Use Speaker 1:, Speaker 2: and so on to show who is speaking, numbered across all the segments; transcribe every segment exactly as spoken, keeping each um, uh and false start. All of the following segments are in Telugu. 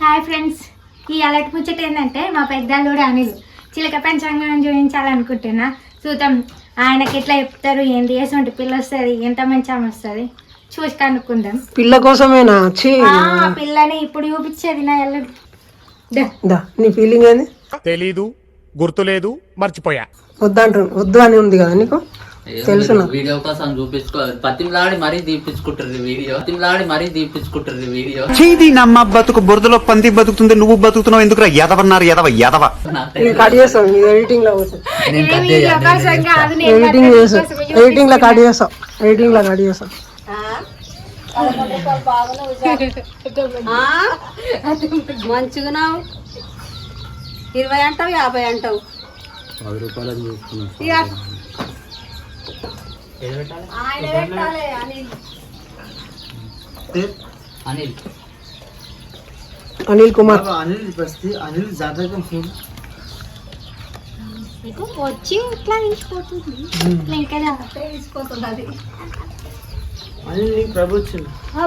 Speaker 1: హాయ్ ఫ్రెండ్స్, ఈ అలర్ట్ ముచ్చట ఏంటంటే మా పెద్దల్లుడు అనిల్ చిలక పంచాంగం చూపించాలనుకుంటున్నా. చూద్దాం ఆయనకి ఎట్లా చెప్తారు, ఏంటి ఎటువంటి పిల్ల వస్తుంది, ఎంత మంచి ఆమె వస్తుంది చూసి కనుక్కుందాం.
Speaker 2: పిల్ల కోసమేనా?
Speaker 1: పిల్లని ఇప్పుడు చూపించేది నా అల్లుడు.
Speaker 2: నీ ఫీలింగ్ ఏంది?
Speaker 3: తెలీదు, గుర్తులేదు, మర్చిపోయా.
Speaker 2: వద్దంటు వద్దు అని ఉంది కదా నీకు తెలుసు.
Speaker 4: వీడియో కోసం చూపించుకోవాలి, పతిమలాడి మరీ తీపించుకుంటారు వీడియో, పతిమలాడి మరీ తీపించుకుంటారు వీడియో.
Speaker 5: చీది నమ్మ బతుకు బురదలో పంది బతుకుతుంది, నువ్వు బతుకుతున్నావు ఎందుకు? ఎదవన్నారు ఎదవ ఎదవ.
Speaker 2: కట్ చేస్తాం ఎడిటింగ్ లో, ఎడిటింగ్ చేస్తాం, ఎడిటింగ్ లో కట్ చేస్తాం, ఎడిటింగ్ లో కట్ చేస్తాం.
Speaker 6: మంచిగా ఇరవై అంటావు, యాభై అంటావు.
Speaker 4: పది రూపాయలు అనిల్
Speaker 2: అనిల్ కుమార్
Speaker 7: అనిల్ బస్తి అనిల్ జాతకం చూడు
Speaker 1: వచ్చి ఇట్లా తీసిపోతుంది, ఇంకా తీసిపోతుంది అది.
Speaker 7: అనిల్ నీకు ప్రభుత్వం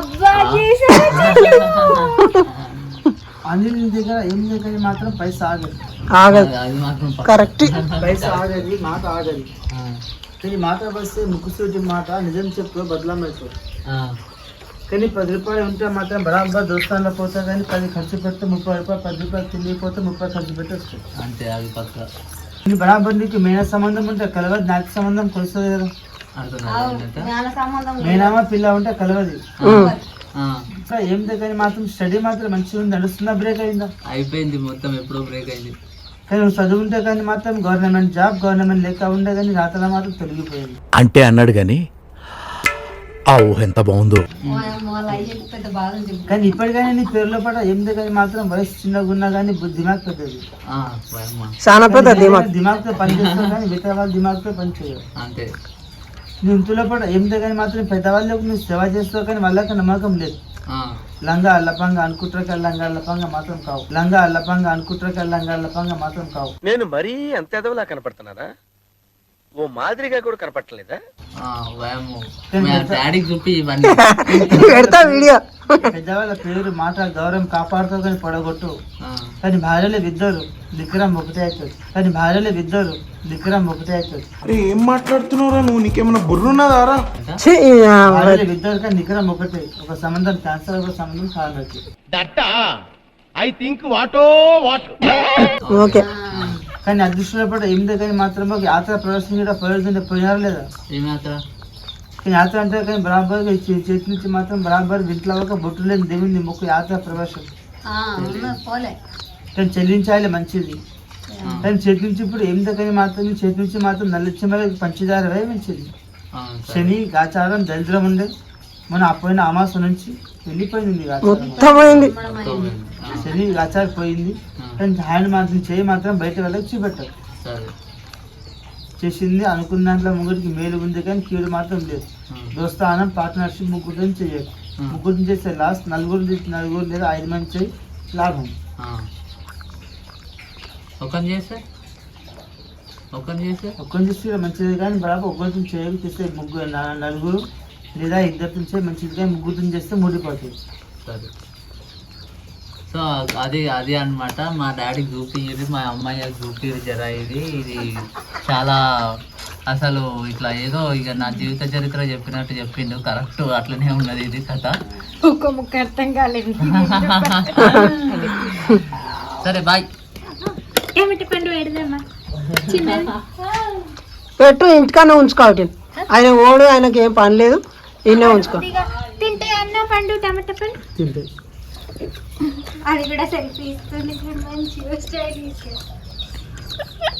Speaker 7: అనిల్ దగ్గర ఏం దగ్గర మాత్రం పైసా ఆగదు
Speaker 2: ఆగదు.
Speaker 4: అది మాత్రం
Speaker 2: కరెక్ట్,
Speaker 7: పైసా ఆగది, మాట ఆగది. కానీ మాట వస్తే ముక్కుసూటి మాట నిజం చెప్పు బదలామవుతుంది. కానీ పది రూపాయలు ఉంటే మాత్రం బరాబర్ దోస్తాన్లో పోతా, కానీ పది ఖర్చు పెడితే ముప్పై రూపాయలు, పది రూపాయలు తిండిపోతే ముప్పై ఖర్చు పెట్టి వస్తుంది
Speaker 4: అంతే. అది పక్క
Speaker 7: నీ బరాబర్ నీకు మేన సంబంధం ఉంటే కలవదు, నాకు సంబంధం కొలుస్తుంది కదా. మేనామా పిల్ల ఉంటే కలవది. ఏం దగ్గర మాత్రం స్టడీ మాత్రం మంచిగా ఉంది, నడుస్తున్నా బ్రేక్ అయిందా?
Speaker 4: అయిపోయింది మొత్తం, ఎప్పుడో బ్రేక్ అయింది.
Speaker 7: కానీ నువ్వు చదువుంటే కానీ మాత్రం గవర్నమెంట్ జాబ్, గవర్నమెంట్ లెక్క ఉండే కానీ రాతలో మాత్రం తొలగిపోయింది
Speaker 3: అంటే అన్నాడు గాని ఆ ఊహ ఎంత బాగుందో.
Speaker 7: కానీ ఇప్పటికైనా నీ పేరులో పడ ఏం దగ్గర మాత్రం వయసు చిన్నగా ఉన్నా కానీ దిమాగ్ పెద్దది,
Speaker 2: చాలా పెద్ద దిమాగ్.
Speaker 7: దిమాగ్తో పనిచేస్తావు కానీ మిగతా వాళ్ళు దిమాగ్తో పనిచేయవు.
Speaker 4: అంతే.
Speaker 7: నువ్వు ఇంట్లో పడ ఏం దగ్గర మాత్రం పెద్దవాళ్ళకు నువ్వు సేవ చేస్తావు కానీ వాళ్ళకి నమ్మకం లేదు. లంగా అల్లపంగా అనుకుంటారు, లంగా అల్లపంగా మాత్రం కావు. లంగా అల్లపంగా అనుకుంటారు, లంగా అల్లపంగా మాత్రం కావు.
Speaker 8: నేను మరీ అంత ఎదవలా కనపడుతున్నారా? ఓ మాదిరిగా కూడా కనపడలేదా?
Speaker 4: డాడీకి చూపి ఇవన్నీ
Speaker 2: పెడతా వీడియో.
Speaker 7: పెద్దవాళ్ళ పేరు మాట గౌరవం కాపాడుతావు కానీ పొడగొట్టు. కానీ భార్యలే విద్దరు దిక్కురం ఒకటే అవుతుంది, కానీ భార్యలే విద్దరు దిక్కురం ఒకటే అవుతుంది.
Speaker 9: ఏం మాట్లాడుతున్నావురా నువ్వు? నీకేమైనా బుర్రున్నదారా?
Speaker 7: భార్యలే విద్దరు కానీ నికరం ఒకటే. ఒక సంబంధం క్యాన్సర్, ఒక సంబంధం కారణం.
Speaker 3: ఐ థింక్ వాటో వాట్.
Speaker 2: ఓకే.
Speaker 7: కానీ అదృష్టంలో పడ ఏం దగ్గర మాత్రం ఒక యాత్ర ప్రదర్శన కూడా ప్రయోజనం పోయినారా లేదా? కానీ యాత్ర అంటే కానీ బరాబర్ చేతి నుంచి మాత్రం బరాబర్ ఇంట్లో ఒక బొట్టు లేని దేవుని మొక్కు యాత్ర ప్రవేశం. కానీ చెల్లించాలి మంచిది, కానీ చేతి నుంచి ఇప్పుడు ఏం దగ్గర మాత్రం చేతి నుంచి మాత్రం నల్లచ్చి పంచదార మంచిది. శని ఆచారం దరిద్రం ఉండే మన అపోయిన అమాస నుంచి వెళ్ళిపోయింది, శని ఆచారం పోయింది. కానీ హ్యాండ్ మాత్రం చేయి మాత్రం బయట వాళ్ళకి చూపెట్టారు. చేసింది అనుకున్న దాంట్లో ముగ్గురికి మేలు ఉంది కానీ కీడు మాత్రం లేదు. దోస్తానం పార్ట్నర్షిప్ ముగ్గురు చేయదు, ముగ్గురు చేస్తే లాస్, నలుగురు నలుగురు లేదా ఐదు మంది చేయి లాభం.
Speaker 4: ఒకరిని చేస్తే ఒకరిని చేస్తే
Speaker 7: ఒక్కరిని చేస్తే మంచిది కానీ బరాబర్ ఒక్కరిని చేయడం చేస్తే ముగ్గురు నలుగురు లేదా ఇద్దరు చేస్తే మంచిది కానీ ముగ్గురు చేస్తే ముడిపోతుంది.
Speaker 4: సరే. సో అది అది అనమాట. మా డాడీకి చూపించింది, మా అమ్మాయి చూపించారు జరా. ఇది ఇది చాలా అసలు ఇట్లా ఏదో ఇక నా జీవిత చరిత్ర చెప్పినట్టు చెప్పిండు. కరెక్ట్ అట్లనే ఉన్నది ఇది కథ.
Speaker 1: ఒక్క ముక్క అర్థం కాలేదు.
Speaker 4: సరే బాయ్.
Speaker 1: ఏమిటి పండు పెడదామా?
Speaker 2: పెట్టు, ఇంటికన్నా ఉంచుకోవాలి. ఆయన ఓడు, ఆయనకి ఏం పని లేదు, ఈయనే ఉంచుకో.
Speaker 1: తింటే అన్న పండు టమాటా పండు
Speaker 7: తింటే
Speaker 1: అది కూడా సెల్ఫీ ఇస్తుంది మంచిగా స్టైల్.